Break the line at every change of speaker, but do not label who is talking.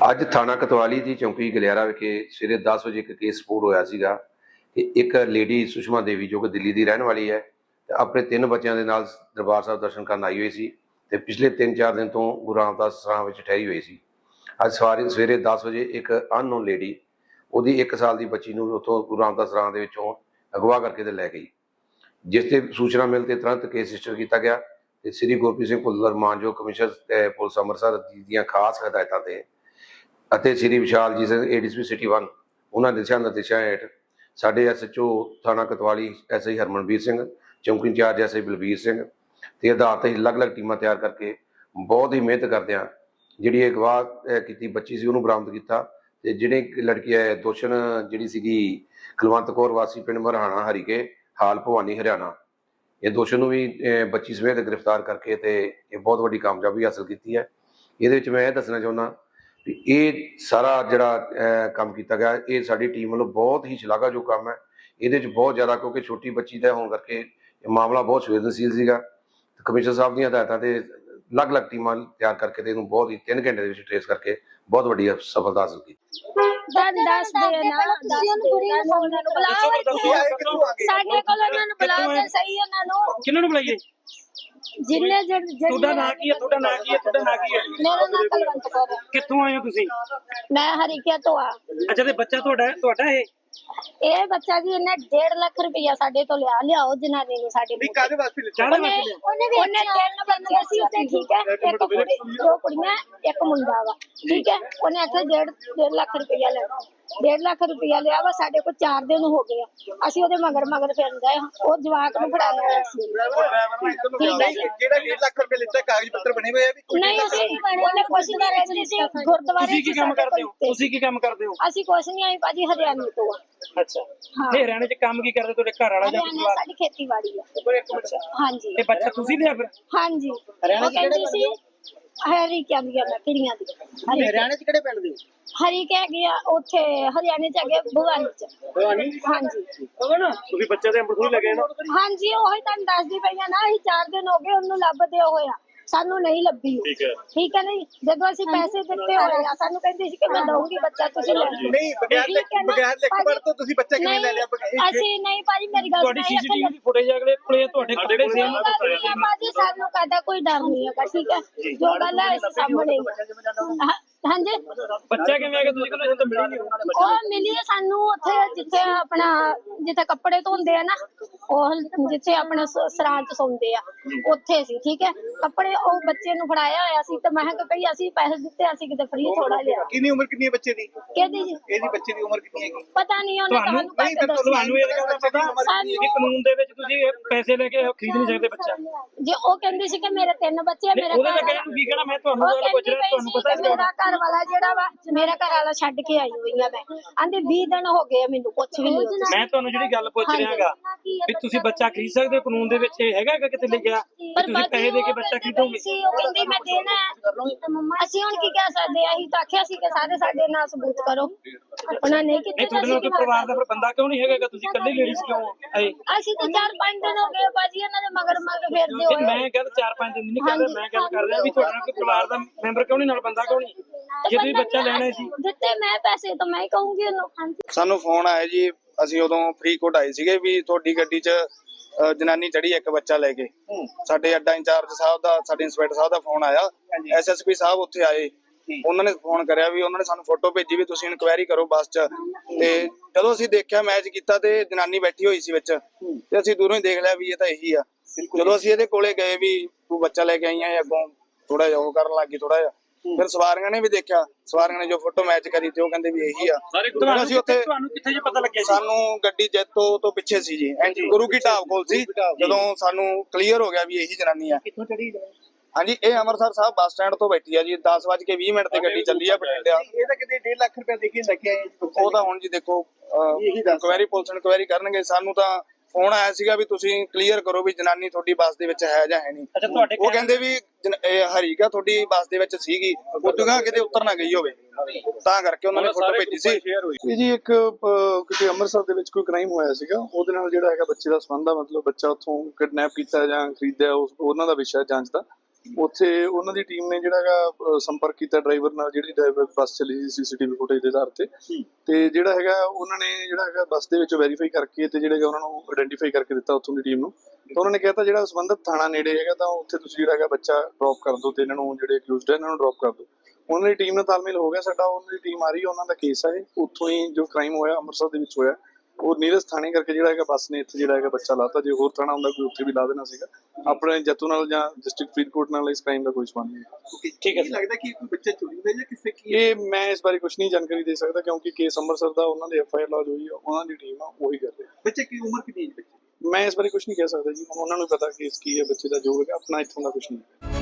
ਅੱਜ ਥਾਣਾ ਕਤਵਾਲੀ ਦੀ ਚੌਂਕੀ ਗਲਿਆਰਾ ਵਿਖੇ ਸਵੇਰੇ 10 ਵਜੇ ਇੱਕ ਕੇਸ ਰਿਪੋਰਟ ਹੋਇਆ ਸੀਗਾ ਕਿ ਇੱਕ ਲੇਡੀ ਸੁਸ਼ਮਾ ਦੇਵੀ ਜੋ ਕਿ ਦਿੱਲੀ ਦੀ ਰਹਿਣ ਵਾਲੀ ਹੈ ਤੇ ਆਪਣੇ 3 ਬੱਚਿਆਂ ਦੇ ਨਾਲ ਦਰਬਾਰ ਸਾਹਿਬ ਦਰਸ਼ਨ ਕਰਨ ਆਈ ਹੋਈ ਸੀ ਤੇ ਪਿਛਲੇ 3-4 ਦਿਨ ਤੋਂ ਗੁਰੂ ਰਾਮਦਾਸ ਸਰਾਂ ਵਿੱਚ ਠਹਿਰੀ ਹੋਈ ਸੀ। ਅੱਜ ਸਵੇਰੇ 10 ਵਜੇ ਇੱਕ ਅਨਨੋਨ ਲੇਡੀ ਉਹਦੀ 1 ਸਾਲ ਦੀ ਬੱਚੀ ਨੂੰ ਉੱਥੋਂ ਗੁਰੂ ਰਾਮਦਾਸ ਸਰਾਂ ਦੇ ਵਿੱਚੋਂ ਅਗਵਾ ਕਰਕੇ ਤੇ ਲੈ ਗਈ, ਜਿਸ ਤੇ ਸੂਚਨਾ ਮਿਲ ਤੇ ਤੁਰੰਤ ਕੇਸ ਰਜਿਸਟਰ ਕੀਤਾ ਗਿਆ ਤੇ ਸ੍ਰੀ ਗੁਰਪ੍ਰੀਤ ਸਿੰਘ ਭੁੱਲਰ ਮਾਨਯੋਗ ਕਮਿਸ਼ਨਰ ਪੁਲਿਸ ਅੰਮ੍ਰਿਤਸਰ ਦੀਆਂ ਖਾਸ ਹਦਾਇਤਾਂ ਤੇ ਅਤੇ ਸ੍ਰੀ ਵਿਸ਼ਾਲ ਜੀ ਸਿੰਘ ADSP ਸਿਟੀ 1 ਉਹਨਾਂ ਦਿਸ਼ਾ ਨਿਰਦੇਸ਼ਾਂ ਹੇਠ ਸਾਡੇ SHO ਥਾਣਾ ਕਤਵਾਲੀ SI ਹਰਮਨਵੀਰ ਸਿੰਘ, ਚੌਂਕੀ ਇੰਚਾਰਜ SI ਬਲਬੀਰ ਸਿੰਘ ਤੇ ਆਧਾਰ ਤੇ ਅਲੱਗ-ਅਲੱਗ ਟੀਮਾਂ ਤਿਆਰ ਕਰਕੇ ਬਹੁਤ ਹੀ ਮਿਹਨਤ ਕਰਦਿਆਂ ਜਿਹੜੀ ਇਹ ਅਗਵਾ ਕੀਤੀ ਬੱਚੀ ਸੀ ਉਹਨੂੰ ਬਰਾਮਦ ਕੀਤਾ ਤੇ ਜਿਹੜੇ ਲੜਕੀ ਹੈ ਦੋਸ਼ਣ ਜਿਹੜੀ ਸੀਗੀ ਕੁਲਵੰਤ ਕੌਰ ਵਾਸੀ ਪਿੰਡ ਮਰਹਾਣਾ ਹਰੀਕੇ ਹਾਲ ਭਵਾਨੀ ਹਰਿਆਣਾ, ਇਹ ਦੋਸ਼ਣ ਨੂੰ ਵੀ ਬੱਚੀ ਸਮੇਤ ਗ੍ਰਿਫਤਾਰ ਕਰਕੇ ਤੇ ਇਹ ਬਹੁਤ ਵੱਡੀ ਕਾਮਯਾਬੀ ਹਾਸਲ ਕੀਤੀ ਹੈ। ਇਹਦੇ ਵਿੱਚ ਮੈਂ ਇਹ ਦੱਸਣਾ ਚਾਹੁੰਦਾ ਵੀ ਇਹ ਸਾਰਾ ਜਿਹੜਾ ਕੰਮ ਕੀਤਾ ਗਿਆ ਇਹ ਸਾਡੀ ਟੀਮ ਵੱਲੋਂ ਬਹੁਤ ਹੀ ਸ਼ਲਾਘਾਯੋਗ ਕੰਮ ਹੈ। ਇਹਦੇ ਵਿੱਚ ਬਹੁਤ ਜ਼ਿਆਦਾ ਕਿਉਂਕਿ ਛੋਟੀ ਬੱਚੀ ਦਾ ਹੋਣ ਕਰਕੇ ਇਹ ਮਾਮਲਾ ਬਹੁਤ ਸੰਵੇਦਨਸ਼ੀਲ ਸੀਗਾ। ਕਮਿਸ਼ਨਰ ਸਾਹਿਬ ਦੀਆਂ ਹਦਾਇਤਾਂ ਤੇ ਅਲੱਗ-ਅਲੱਗ ਟੀਮਾਂ ਤਿਆਰ ਕਰਕੇ ਤੇ ਇਹਨੂੰ ਬਹੁਤ ਹੀ 3 ਘੰਟੇ ਦੇ ਵਿੱਚ ਟ੍ਰੇਸ ਕਰਕੇ ਬਹੁਤ ਵੱਡੀ ਸਫਲਤਾ ਹਾਸਲ ਕੀਤੀ।
ਸਾਡੇ ਕੋਲ ਉਹਨਾਂ ਨੂੰ ਬੁਲਾਓ ਸਹੀ ਉਹਨਾਂ ਨੂੰ
ਕਿਹਨਾਂ ਨੂੰ ਬੁਲਾਈਏ?
ਜਿੰਨੇ
ਤੁਹਾਡਾ ਨਾਂ ਕੀ ਹੈ? ਤੁਹਾਡਾ ਨਾਂ ਕੀ ਹੈ? ਤੁਹਾਡਾ ਨਾਂ ਕੀ ਹੈ?
ਮੇਰਾ ਨਾਮ ਕੁਲਵੰਤ ਕੌਰ ਹੈ।
ਕਿੱਥੋਂ ਆਏ ਹੋ ਤੁਸੀਂ?
ਮੈਂ ਹਰੀਕਿਆ ਤੋਂ ਆ।
ਅੱਛਾ, ਤੇ ਬੱਚਾ ਤੁਹਾਡਾ
ਇਹ ਬੱਚਾ ਜੀ ਇਹਨੇ 1.5 ਲੱਖ ਰੁਪਇਆ ਸਾਡੇ ਤੋਂ ਲਿਆਓ ਜਨਾਨੀ ਨੂੰ ਸਾਡੇ
ਵੀ ਕਾਹਦੇ ਵਾਸਤੇ ਲਿਆ?
ਉਹਨੇ 3 ਬੱਚੇ ਸੀ ਉਹਦੇ, ਠੀਕ ਹੈ, ਇੱਕ ਕੁੜੀ 2 ਕੁੜੀਆਂ ਇੱਕ ਮੁੰਡਾ ਵਾ, ਠੀਕ ਹੈ। ਉਹਨੇ ਆਖਿਆ 1.5 ਲੱਖ ਰੁਪਇਆ ਲੈ, 1.5 ਲੱਖ ਰੁਪਇਆ ਲਿਆ ਵਾ। ਸਾਡੇ ਕੋਲ 4 ਦਿਨ ਹੋ ਗਏ ਆ, ਅਸੀਂ ਉਹਦੇ ਮਗਰ ਫਿਰਨ ਗਏ। ਉਹ ਜਵਾਕ ਨੂੰ ਫੜਾਇਆ ਹੋਇਆ ਸੀ।
ਜਿਹੜਾ 1.5 ਲੱਖ ਰੁਪਏ ਲਿੱਤਾ ਕਾਗਜ਼ ਪੱਤਰ ਬਣੇ ਹੋਏ ਆ ਵੀ
ਨਹੀਂ, ਅਸੀਂ ਉਹਨੇ ਕੁਛ ਨਹੀਂ ਰਜਿਸਟਰੀ ਸੀ ਗੁਰਦੁਆਰੇ।
ਤੁਸੀਂ ਕੀ ਕੰਮ ਕਰਦੇ ਹੋ? ਤੁਸੀਂ ਕੀ ਕੰਮ ਕਰਦੇ ਹੋ?
ਅਸੀਂ ਕੁਛ ਨਹੀਂ ਆਏ ਭਾਜੀ, ਹਰਿਆਣੇ ਤੋਂ ਆ।
ਅੱਛਾ, ਤੇ ਹਰਿਆਣੇ ਚ ਕੰਮ ਕੀ ਕਰਦੇ ਤੁਹਾਡੇ ਘਰ ਵਾਲਾ ਜਾਂ
ਹਰਿਆਣਾ ਸਾਡੀ ਖੇਤੀਬਾੜੀ ਆ। ਹਾਂਜੀ।
ਤੇ ਬੱਚਾ ਤੁਸੀਂ ਲਿਆ ਫਿਰ?
ਹਾਂਜੀ, ਉਹ ਕਹਿੰਦੀ ਸੀ ਹਰੀਕਿਆਂ ਦੀਆਂ ਮੈਂ ਕਿਹੜੀਆਂ ਦੀ
ਹਰਿਆਣੇ ਚ ਕਿਹੜੇ ਪਿੰਡ ਦੇ?
ਹਰੀਕੇ ਹੈਗੇ ਆ ਉੱਥੇ ਹਰਿਆਣੇ ਚ ਹੈਗੇ ਭਵਾਨੀ ਚ। ਹਾਂਜੀ,
ਤੁਸੀਂ ਬੱਚੇ ਦੇ ਅੰਮ੍ਰਿਤਸਰ ਲੱਗੇ ਨਾ?
ਹਾਂਜੀ, ਉਹੀ ਤੁਹਾਨੂੰ ਦੱਸਦੀ ਪਈ ਆ ਨਾ। ਅਸੀਂ 4 ਦਿਨ ਹੋ ਗਏ ਉਹਨੂੰ ਲੱਭਦੇ ਹੋਏ ਆ, ਸਾਨੂੰ ਨਹੀਂ ਲੱਭੀ। ਠੀਕ ਹੈ ਨਹੀਂ, ਜਦੋਂ ਅਸੀਂ ਪੈਸੇ ਦਿੱਤੇ ਹੋਏ ਆ ਸਾਨੂੰ ਕਹਿੰਦੀ ਸੀ ਕਿ ਮੈਂ ਦਊਂਗੀ ਬੱਚਾ, ਤੁਸੀਂ ਲੈ ਲਓ।
ਨਹੀਂ, ਬਗੈਰ ਲਿਖਤ ਤੋਂ ਤੁਸੀਂ ਬੱਚਾ ਕਿਵੇਂ ਲੈ ਲਿਆ?
ਅਸੀਂ ਨਹੀਂ ਭਾਜੀ, ਮੇਰੀ ਗੱਲ
ਤੁਹਾਡੀ CCTV ਦੀ ਫੁਟੇਜ ਅਗਲੇ ਕੋਲੇ ਤੁਹਾਡੇ ਕੋਲੇ ਸੀ
ਭਾਜੀ, ਸਾਨੂੰ ਕਾਹਦਾ ਕੋਈ ਡਰ ਨਹੀਂ ਹੈਗਾ, ਠੀਕ ਹੈ। ਜੋ ਗੱਲ ਹੈ ਅਸੀਂ ਸਾਹਮਣੇ ਹਾਂਜੀ।
ਬੱਚਾ ਕਿਵੇਂ ਆ ਗਿਆ? ਤੁਸੀਂ ਕਹਿੰਦੇ ਤਾਂ ਮਿਲੀ ਨਹੀਂ?
ਉਹ ਮਿਲੀ ਸਾਨੂੰ ਉੱਥੇ ਜਿੱਥੇ ਕੱਪੜੇ ਧੋਂਦੇ ਆ ਨਾ, ਉਹ ਜਿੱਥੇ ਆਪਣੇ ਸਰਾਂ ਚ ਸੌਂਦੇ ਆ ਉੱਥੇ ਸੀ, ਠੀਕ ਹੈ। ਕੱਪੜੇ ਉਹ ਬੱਚੇ ਨੂੰ ਫੜਾਇਆ ਹੋਇਆ ਸੀ ਤੇ ਮੈਂ ਕਿਹਾ ਭਈ ਅਸੀਂ ਪੈਸੇ ਦਿੱਤੇ, ਅਸੀਂ ਕਿਤੇ ਫ੍ਰੀ ਥੋੜਾ ਲਿਆ।
ਕਿੰਨੀ ਉਮਰ ਕਿੰਨੀ ਹੈ ਬੱਚੇ ਦੀ?
ਕਿਹਦੀ ਜੀ?
ਇਹਦੀ ਬੱਚੇ ਦੀ ਉਮਰ ਕਿੰਨੀ ਹੈਗੀ?
ਪਤਾ ਨਹੀਂ, ਉਹਨੇ ਤੁਹਾਨੂੰ
ਤੁਹਾਨੂੰ ਇਹ ਗੱਲ ਦਾ ਪਤਾ ਕਿ ਕਾਨੂੰਨ ਦੇ ਵਿੱਚ ਤੁਸੀਂ ਪੈਸੇ ਲੈ ਕੇ ਖਰੀਦ ਨਹੀਂ ਸਕਦੇ ਬੱਚਾ?
ਜੇ ਉਹ ਕਹਿੰਦੀ ਸੀ ਕਿ ਮੇਰੇ 3 ਬੱਚੇ ਆ, ਮੇਰਾ
ਉਹਦੇ ਤਾਂ ਕਹਿਣ ਨੂੰ ਕੀ ਕਹਿਣਾ? ਮੈਂ ਤੁਹਾਨੂੰ ਗੱਲ ਪੁੱਛ ਰਿਹਾ, ਤੁਹਾਨੂੰ ਪਤਾ
ਮੇਰਾ ਘਰ ਵਾਲਾ ਜਿਹੜਾ ਵਾ, ਮੇਰਾ ਘਰ ਵਾਲਾ ਛੱਡ ਕੇ ਆਈ ਹੋਈ ਆ ਮੈਂ। ਆਂਦੇ 20 ਦਿਨ ਹੋ ਗਏ ਮੈਨੂੰ ਕੁਛ ਵੀ ਨਹੀਂ।
ਮੈਂ ਤੁਹਾਨੂੰ ਜਿਹੜੀ ਗੱਲ ਪੁੱਛ ਰਿਹਾਗਾ ਵੀ ਤੁਸੀਂ ਬੱਚਾ ਖਰੀਦ ਸਕਦੇ ਹੋ? ਕਾਨੂੰਨ ਦੇ ਵਿੱਚ ਇਹ ਹੈਗਾ ਕਿਤੇ ਲਿਖਿਆ ਕਿ ਤੁਸੀਂ ਪੈਸੇ ਦੇ ਕੇ ਬੱਚਾ ਖਰੀਦੋਗੇ?
ਉਹ ਕਹਿੰਦੀ ਮੈਂ ਦੇਣਾ ਹੈ। ਅਸੀਂ ਹੁਣ ਕੀ ਕਹਿ ਸਕਦੇ ਆ? ਅਸੀਂ ਤਾਂ ਆਖਿਆ ਸੀ ਕਿ ਸਾਰੇ ਸਾਡੇ ਨਾਲ ਸਬੂਤ ਕਰੋ, ਉਹਨਾਂ ਨੇ
ਨਹੀਂ। ਤੁਹਾਡੇ ਨਾਲ ਕੋਈ ਪਰਿਵਾਰ ਦਾ ਫਿਰ ਬੰਦਾ ਕਿਉਂ ਨਹੀਂ ਹੈਗਾ? ਤੁਸੀਂ ਇਕੱਲੇ ਲੇਡੀਜ਼ ਕਿਉਂ ਆਏ?
ਅਸੀਂ ਤਾਂ 4-5 ਦਿਨ ਹੋ ਗਏ ਭਾਜੀ ਇਹਨਾਂ ਦੇ ਮਗਰ ਫਿਰਦੇ ਹੋਏ।
ਮੈਂ ਕਹਿੰਦਾ 4-5 ਦਿਨ ਨਹੀਂ ਕਰਦਾ, ਮੈਂ ਗੱਲ ਕਰ ਰਿਹਾ ਵੀ ਤੁਹਾਡੇ ਨਾਲ ਕੋਈ ਪਰਿਵਾਰ ਦਾ ਮੈਂਬਰ ਕਿਉਂ ਨਹੀਂ, ਨਾਲ ਬੰਦਾ ਕਿਉਂ ਨਹੀਂ? ਜੇ ਤੁਸੀਂ ਬੱਚਾ ਲੈਣਾ ਸੀ
ਦਿੱਤੇ ਮੈਂ ਪੈਸੇ ਤਾਂ ਮੈਂ ਹੀ ਕਹੂੰਗੀ ਉਹਨੂੰ।
ਸਾਨੂੰ ਫੋਨ ਆਇਆ ਜੀ, ਅਸੀਂ ਉਦੋਂ ਫਰੀਦਕੋਟ ਆਏ ਸੀਗੇ ਵੀ ਤੁਹਾਡੀ ਗੱਡੀ 'ਚ ਜਨਾਨੀ ਚੜੀ ਇੱਕ ਬੱਚਾ ਲੈ ਕੇ। ਸਾਡੇ ਅੱਡਾ ਇੰਚਾਰਜ ਸਾਹਿਬ ਦਾ, ਸਾਡੇ ਇੰਸਪੈਕਟਰ ਸਾਹਿਬ ਦਾ ਫੋਨ ਆਇਆ। SSP ਸਾਹਿਬ ਉੱਥੇ ਆਏ, ਉਹਨਾਂ ਨੇ ਫੋਨ ਕਰਿਆ ਵੀ ਉਹਨਾਂ ਨੇ ਸਾਨੂੰ ਫੋਟੋ ਭੇਜੀ ਵੀ ਤੁਸੀਂ ਇਨਕੁਆਇਰੀ ਕਰੋ ਬੱਸ 'ਚ। ਤੇ ਜਦੋਂ ਅਸੀਂ ਦੇਖਿਆ, ਮੈਚ ਕੀਤਾ ਤੇ ਜਨਾਨੀ ਬੈਠੀ ਹੋਈ ਸੀ ਵਿੱਚ, ਤੇ ਅਸੀਂ ਦੂਰੋਂ ਹੀ ਦੇਖ ਲਿਆ ਵੀ ਇਹ ਤਾਂ ਇਹੀ ਆ। ਜਦੋਂ ਅਸੀਂ ਇਹਦੇ ਕੋਲੇ ਗਏ ਵੀ ਤੂੰ ਬੱਚਾ ਲੈ ਕੇ ਆਈ ਆ, ਅੱਗੋਂ ਥੋੜਾ ਜਿਹਾ ਉਹ ਕਰਨ ਲੱਗ ਗਈ ਥੋੜਾ ਜਿਹਾ। ਫਿਰ ਸਵਾਰੀਆਂ ਨੇ ਵੀ ਦੇਖਿਆ, ਸਵਾਰੀਆਂ ਨੇ ਜੋ ਫੋਟੋ ਮੈਚ ਕਰੀ ਤੇ ਉਹ ਕਹਿੰਦੇ ਵੀ ਇਹੀ ਆ।
ਅਸੀਂ ਉੱਥੇ ਤੁਹਾਨੂੰ ਕਿੱਥੇ ਜੇ ਪਤਾ ਲੱਗਿਆ?
ਸਾਨੂੰ ਗੱਡੀ ਜੈਤੋ ਤੋਂ ਪਿੱਛੇ ਸੀ ਜੀ, ਗੁਰੂ ਕੀ ਢਾਬ ਕੋਲ ਸੀ। ਜਦੋਂ ਸਾਨੂੰ ਕਲੀਅਰ ਹੋ ਗਿਆ ਵੀ ਇਹੀ ਜਨਾਨੀ ਆ।
ਕਿੱਥੋਂ ਚੜੀ?
ਹਾਂਜੀ, ਇਹ ਅੰਮ੍ਰਿਤਸਰ ਸਾਹਿਬ ਬੱਸ ਸਟੈਂਡ ਤੋਂ ਬੈਠੀ ਆ ਜੀ। 10:20 ਤੇ ਗੱਡੀ ਚੱਲੀ ਆ ਬਠਿੰਡੇ।
ਇਹ ਤਾਂ ਕਿਤੇ 1.5 ਲੱਖ ਰੁਪਏ ਦੇ ਕੇ ਲੈ ਕੇ ਆਏ।
ਉਹ ਤਾਂ ਹੁਣ ਜੀ ਦੇਖੋ ਇਨਕੁਆਇਰੀ, ਪੁਲਿਸ ਇਨਕੁਆਇਰੀ ਕਰਨਗੇ। ਸਾਨੂੰ ਤਾਂ ਫੋਨ ਆਇਆ ਸੀਗਾ ਵੀ ਤੁਸੀਂ ਕਲੀਅਰ ਕਰੋ ਵੀ ਜਨਾਨੀ ਤੁਹਾਡੀ ਬੱਸ ਦੇ ਵਿੱਚ ਹੈ ਜਾਂ ਹੈ ਨਹੀਂ। ਉਹ ਕਹਿੰਦੇ ਵੀ ਹਰੀਕਾ ਤੁਹਾਡੀ ਬੱਸ ਦੇ ਵਿੱਚ ਸੀਗੀ, ਉਦੋਂ ਕਿਤੇ ਉਤਰ ਨਾ ਗਈ ਹੋਵੇ, ਤਾਂ ਕਰਕੇ ਉਹਨਾਂ ਨੇ ਫੋਟੋ ਭੇਜੀ ਸੀ।
ਇਹ ਜੀ ਇੱਕ ਕਿਤੇ ਅੰਮ੍ਰਿਤਸਰ ਦੇ ਵਿੱਚ ਕੋਈ ਕ੍ਰਾਈਮ ਹੋਇਆ ਸੀਗਾ, ਉਹਦੇ ਨਾਲ ਜਿਹੜਾ ਹੈਗਾ ਬੱਚੇ ਦਾ ਸੰਬੰਧ ਆ, ਮਤਲਬ ਬੱਚਾ ਉੱਥੋਂ ਕਿਡਨੈਪ ਕੀਤਾ ਜਾਂ ਖਰੀਦਿਆ, ਉਹਨਾਂ ਦਾ ਵਿਸ਼ਾ ਜਾਂਚ ਦਾ। ਉੱਥੇ ਉਹਨਾਂ ਦੀ ਟੀਮ ਨੇ ਜਿਹੜਾ ਹੈਗਾ ਸੰਪਰਕ ਕੀਤਾ ਡਰਾਈਵਰ ਨਾਲ, ਜਿਹੜੀ ਡਰਾਈਵਰ ਬੱਸ ਚੱਲੀ ਸੀ ਸੀਸੀਟੀਵੀ ਫੁਟੇਜ ਦੇ ਆਧਾਰ ਤੇ ਜਿਹੜਾ ਹੈਗਾ ਉਹਨਾਂ ਨੇ ਜਿਹੜਾ ਹੈਗਾ ਬੱਸ ਦੇ ਵਿੱਚ ਵੈਰੀਫਾਈ ਕਰਕੇ ਤੇ ਜਿਹੜਾ ਹੈਗਾ ਉਹਨਾਂ ਨੂੰ ਆਇਡੈਂਟੀਫਾਈ ਕਰਕੇ ਦਿੱਤਾ ਉੱਥੋਂ ਦੀ ਟੀਮ ਨੂੰ। ਤਾਂ ਉਹਨਾਂ ਨੇ ਕਹਿਤਾ ਜਿਹੜਾ ਸੰਬੰਧਿਤ ਥਾਣਾ ਨੇੜੇ ਹੈਗਾ ਤਾਂ ਉੱਥੇ ਤੁਸੀਂ ਜਿਹੜਾ ਹੈਗਾ ਬੱਚਾ ਡ੍ਰੌਪ ਕਰ ਦਿਓ ਤੇ ਇਹਨਾਂ ਨੂੰ ਜਿਹੜੇ ਅਕਿਊਜ਼ਡ ਹੈ ਇਹਨਾਂ ਨੂੰ ਡ੍ਰੌਪ ਕਰ ਦਿਓ। ਉਹਨਾਂ ਦੀ ਟੀਮ ਨਾਲ ਤਾਲਮੇਲ ਹੋ ਗਿਆ ਸਾਡਾ, ਉਹਨਾਂ ਦੀ ਟੀਮ ਆ ਰਹੀ ਹੈ, ਉਹਨਾਂ ਦਾ ਕੇਸ ਹੈ ਉੱਥੋਂ ਹੀ ਜੋ ਕ੍ਰਾਈਮ ਹੋਇਆ ਅੰਮ੍ਰਿਤਸਰ ਦੇ ਵਿੱਚ ਹੋਇਆ ਉਹ ਨੀਰਜ ਥਾਣੇ ਕਰਕੇ ਜਿਹੜਾ ਹੈਗਾ ਬੱਸ ਨੇ ਇੱਥੇ ਜਿਹੜਾ ਹੈਗਾ ਬੱਚਾ ਲਾਤਾ। ਜੇ ਹੋਰ ਥਾਣਾ ਹੁੰਦਾ ਕੋਈ ਉੱਥੇ ਵੀ ਲਾ ਦੇਣਾ ਸੀਗਾ। ਆਪਣੇ ਜੱਤੂ ਨਾਲ ਜਾਂ ਡਿਸਟ੍ਰਿਕਟ ਫਰੀਦਕੋਟ ਨਾਲ ਇਸ ਕ੍ਰਾਈਮ ਦਾ ਕੋਈ ਸੰਬੰਧ ਨਹੀਂ।
ਠੀਕ ਹੈ
ਲੱਗਦਾ ਕਿ ਕੋਈ ਬੱਚਾ ਚੋਰੀ ਦਾ ਜਾਂ ਕਿਸੇ ਕੀ
ਇਹ ਮੈਂ ਇਸ ਬਾਰੇ ਕੁਝ ਨਹੀਂ ਜਾਣਕਾਰੀ ਦੇ ਸਕਦਾ ਕਿਉਂਕਿ ਕੇਸ ਅੰਮ੍ਰਿਤਸਰ ਦਾ ਉਹਨਾਂ ਦੇ FIR ਲੌਜ ਹੋਈ ਹੈ, ਉਹਨਾਂ ਦੀ ਟੀਮ ਆ ਉਹੀ ਕਰ ਰਹੀ ਹੈ।
ਬੱਚੇ ਕੀ ਉਮਰ ਕਿੰਨੀ ਹੈ ਬੱਚੇ
ਮੈਂ ਇਸ ਬਾਰੇ ਕੁਝ ਨਹੀਂ ਕਹਿ ਸਕਦਾ ਜੀ, ਹੁਣ ਉਹਨਾਂ ਨੂੰ ਪਤਾ ਕੇਸ ਕੀ ਹੈ ਬੱਚੇ ਦਾ, ਜੋ ਹੈਗਾ ਆਪਣਾ ਇੱਥੋਂ ਦਾ ਕੁਝ ਨਹੀਂ।